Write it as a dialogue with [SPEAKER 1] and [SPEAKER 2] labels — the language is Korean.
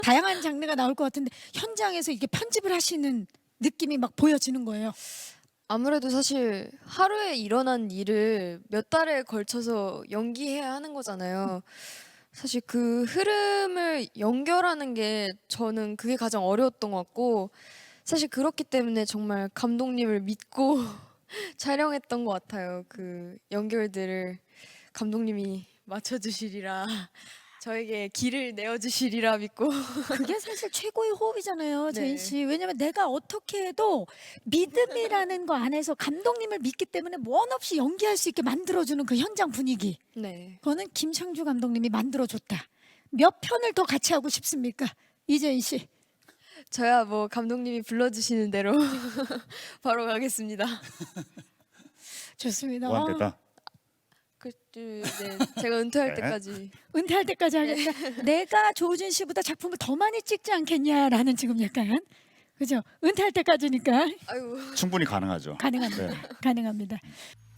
[SPEAKER 1] 다양한 장르가 나올 것 같은데 현장에서 이게 편집을 하시는 느낌이 막 보여지는 거예요.
[SPEAKER 2] 아무래도 사실 하루에 일어난 일을 몇 달에 걸쳐서 연기해야 하는 거잖아요. 사실 그 흐름을 연결하는 게 저는 그게 가장 어려웠던 것 같고 사실 그렇기 때문에 정말 감독님을 믿고 촬영했던 것 같아요. 그 연결들을 감독님이 맞춰주시리라 저에게 길을 내어주시리라 믿고
[SPEAKER 1] 그게 사실 최고의 호흡이잖아요, 제인
[SPEAKER 2] 네.
[SPEAKER 1] 씨. 왜냐면 내가 어떻게 해도 믿음이라는 거 안에서 감독님을 믿기 때문에 원 없이 연기할 수 있게 만들어주는 그 현장 분위기.
[SPEAKER 2] 네.
[SPEAKER 1] 그거는 김창주 감독님이 만들어줬다. 몇 편을 더 같이 하고 싶습니까, 이재인 씨?
[SPEAKER 2] 저야 뭐 감독님이 불러주시는 대로 바로 가겠습니다.
[SPEAKER 1] 좋습니다.
[SPEAKER 3] 무한대다.
[SPEAKER 2] 네, 제가 은퇴할
[SPEAKER 3] 네.
[SPEAKER 2] 때까지.
[SPEAKER 1] 은퇴할 때까지 하겠다. 내가 조진 씨보다 작품을 더 많이 찍지 않겠냐라는 지금 약간 그죠? 은퇴할 때까지니까
[SPEAKER 2] 아이고.
[SPEAKER 3] 충분히 가능하죠.
[SPEAKER 1] 가능합니다.
[SPEAKER 3] 네.
[SPEAKER 1] 가능합니다.